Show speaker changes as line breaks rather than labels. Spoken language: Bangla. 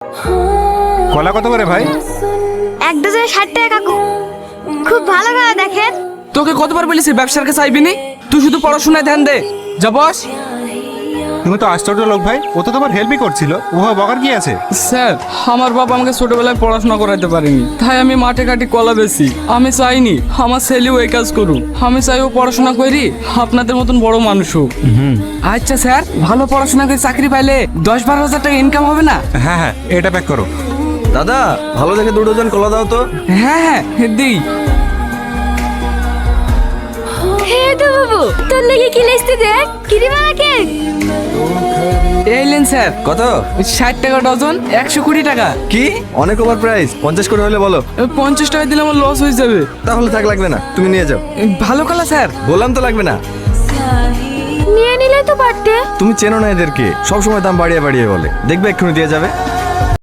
কলা কত করে ভাই?
এক ডজনে 60 টাকা কাকু। খুব ভালো ভালো দেখেন।
তোকে কতবার বলেছি ব্যবসার কাছে আইবি নি? তুই শুধু পড়াশোনায় ধ্যান দে। যা বস।
তুমি তো আশ্চর্য লোক ভাই, ও তো তোমার হেল্পই করছিল, উহা বকার কি আছে?
স্যার, আমার বাবা আমাকে ছোটবেলায় পড়াশোনা করাতে পারেনি, তাই আমি মাঠে কাটি কলা বেশি। আমি চাইনি আমার ছেলেও এই কাজ করুক। আমি চাই ও পড়াশোনা করি আপনাদের মতন বড় মানুষ হোক। আচ্ছা স্যার, ভালো পড়াশোনা করে চাকরি পাইলে 10-12 হাজার টাকা ইনকাম হবে না?
হ্যাঁ হ্যাঁ, এটা প্যাক করো।
দাদা, ভালো দেখে 2 ডজন কলা দাও তো।
হ্যাঁ হ্যাঁ দিই।
হে তো বাবু, তোর লাগি কি লিস্টে দেখ, কিরিমানা কেক।
এই লেন স্যার।
কত?
60 টাকা ডজন, 120 টাকা।
কি অনেক ওভার প্রাইস, 50 করে হলে বলো।
50 টাকা দিলে আমার লস হয়ে যাবে।
তাহলে থাক, লাগবে না, তুমি নিয়ে যাও।
ভালো কলা স্যার।
বললাম তো লাগবে না।
নিয়ে নিলে তো পারতে।
তুমি চেনো না এদেরকে, সব সময় দাম বাড়িয়ে বাড়িয়ে বলে, দেখবে এক্ষুনি দিয়ে যাবে।